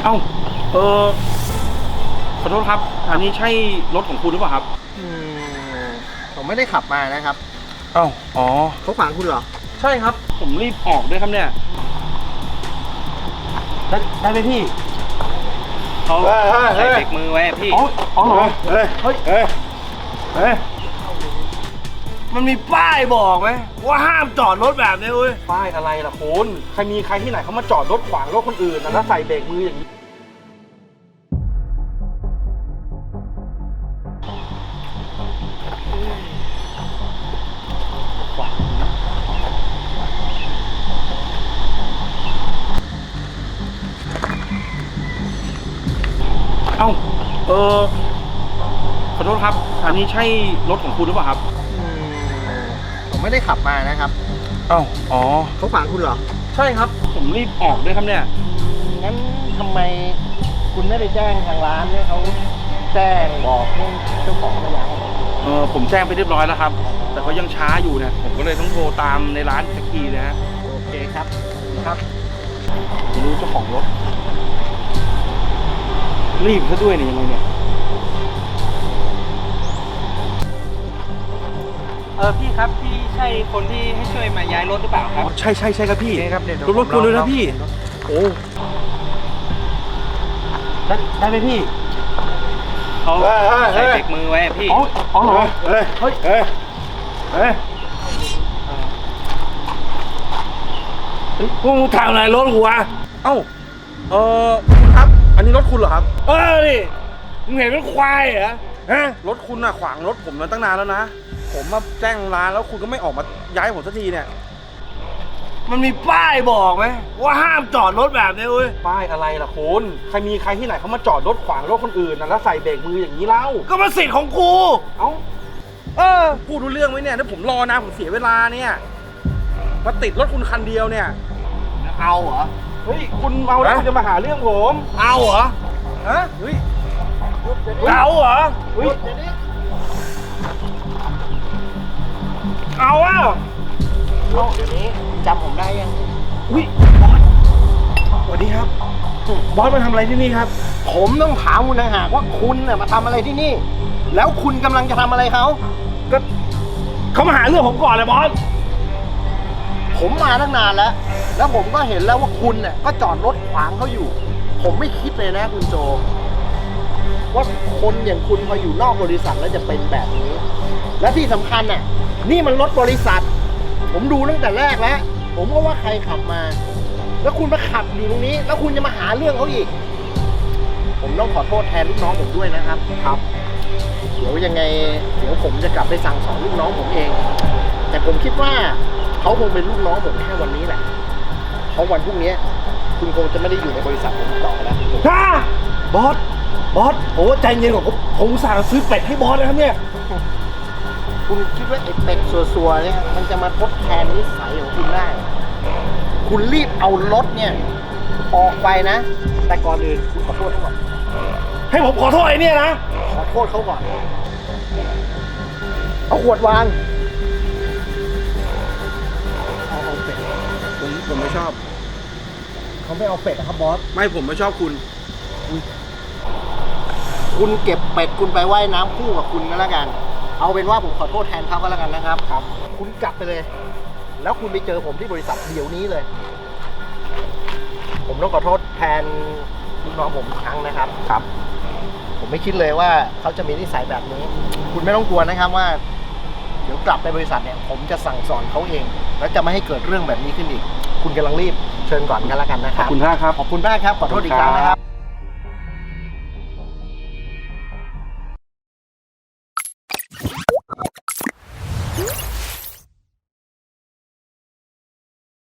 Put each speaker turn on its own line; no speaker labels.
เอ้าเออขอโทษครับอันนี้ใช่รถของคุณหรือเปล่าครับ
ผมไม่ได้ขับมานะครับ
เอ้าอ๋อ
เขาขวางคุณเหรอ
ใช่ครับผมรีบออกด้วยครับเนี่ยได้ไหมพี่เขาใส่เบรกมือไว้พี่อ๋อเหรอเฮ้ย
มันมีป้ายบอกไหมว่าห้ามจอดรถแบบนี้เว้ย
ป้ายอะไรล่ะคุณใครมีใครที่ไหนเขามาจอดรถขวางรถคนอื่นนะแล้วใส่เบรกมืออย่างนี้เอ้าขอโทษครับอันนี้ใช่รถของคุณหรือเปล่าครับ
ผมไม่ได้ขับมานะครับ
เอ้าอ๋อ
เขาขวางคุณเหรอ
ใช่ครับผมรีบออกด้วยครับเนี่ย
งั้นทำไมคุณไม่ไปแจ้งทางร้านให้เขาแจ้งบอกให้เจ้าของมาย้าย
ผมแจ้งไปเรียบร้อยแล้วครับแต่เขายังช้าอยู่เนี่ยผมก็เลยต้องโทรตามในร้านสักทีนะฮะ
โอเคครับ
ไม่รู้เจ้าของรถรีบซะด้วยเนี่ยยังไงเนี่ย
พี่ครับพี่ใช่คนที่ให้ช่วยมาย้ายรถหรือเปล่าครับ
ใช่ครับพี่
ครับ
รถคุณเลยนะพี่โอ้ได้ไหมพี่
เขาใส่เบรกมือไว้พี่
อ๋อเหรอเฮ้ย
พวกมึงทำอะไรรถกูวะ
เอ้าคุณครับอันนี้รถคุณเหรอครับ
นี่มึงเห็นเป็นควายเหรอฮะ
รถคุณน่ะขวางรถผมมาตั้งนานแล้วนะผมมาแจ้งร้านแล้วคุณก็ไม่ออกมาย้ายผมสักทีเนี่ย
มันมีป้ายบอกไหมว่าห้ามจอดรถแบบนี้เว้ย
ป้ายอะไรล่ะคุณใครมีใครที่ไหนเขามาจอดรถขวางรถคนอื่นนะแล้วใส่เบรกมืออย่างนี้เล่า
ก็มันสิทธิ์ของกู
เอ้าพูดรู้เรื่องไหมเนี่ยถ้าผมรอนะผมเสียเวลาเนี่ยมาติดรถคุณคันเดียวเนี่ย
เอาเหรอ
เฮ้ยคุณเอาแล้วคุณจะมาหาเรื่องผม
เอาเหรอ
ฮะเฮ้ย
เอาเหรอ
เฮ้ย
เอาเดี๋ยวนี้จำผมได้ยัง
อุ้ยบอสสวัสดีครับบอสมาทำอะไรที่นี่ครับ
ผมต้องถามคุณนะฮะว่าคุณน่ะมาทำอะไรที่นี่แล้วคุณกำลังจะทำอะไรเขา
ก็เขามาหาเรื่องผมก่อนเลยบอส
ผมมาตั้งนานแล้วผมก็เห็นแล้วว่าคุณเนี่ยก็จอดรถขวางเขาอยู่ผมไม่คิดเลยนะคุณโจว่าคนอย่างคุณพออยู่นอกบริษัทแล้วจะเป็นแบบนี้และที่สำคัญน่ะนี่มันรถบริษัทผมดูตั้งแต่แรกแล้วผมก็ว่าใครขับมาแล้วคุณมาขับอยู่ตรงนี้แล้วคุณจะมาหาเรื่องเขาอีกผมต้องขอโทษแทนลูกน้องผมด้วยนะครับเดี๋ยวยังไงเดี๋ยวผมจะกลับไปสั่งสอนลูกน้องผมเองแต่ผมคิดว่าเขาคงเป็นลูกน้องผมแค่วันนี้แหละเพราะวันพรุ่งนี้คุณคงจะไม่ได้อยู่ในบริษัทผมต่อแล้ว
บอสโอ้ใจเย็นกว่าผมสั่งซื้อเป็ดให้บอสนะครับเนี่ย
คุณคิดว่าไอ้เป็ดซัวๆเนี่ยมันจะมาทดแทนนิสัยของคุณได้คุณรีบเอารถเนี่ยออกไปนะแต่ก่อนอื่นคุณขอโทษเขาก่อน
ให้ผมขอโทษไอ้เนี่ยนะ
ขอโทษเขาก่อนเอาขวดวางเอาเป็ด
ผมไม่ชอบ
เขาไม่เอาเป็ดนะครับบอส
ไม่ผมไม่ชอบคุณ
เก็บเป็ดคุณไปว่ายน้ำคู่กับคุณก็แล้วกันเอาเป็นว่าผมขอโทษแทนเขาก็แล้วกันนะครับคุณกลับไปเลยแล้วคุณไปเจอผมที่บริษัทเดี๋ยวนี้เลยผมต้องขอโทษแทนลูกน้องผมอีกครั้งนะครับผมไม่คิดเลยว่าเขาจะมีนิสัยแบบนี้คุณไม่ต้องกลัวนะครับว่าเดี๋ยวกลับไปบริษัทเนี่ยผมจะสั่งสอนเขาเองแล้วจะไม่ให้เกิดเรื่องแบบนี้ขึ้นอีกคุณกำลังรีบเชิญก่อนกันแล้วกันนะครับ
ขอบคุณมากครับ
ขอโทษอีกครั้งนะครับ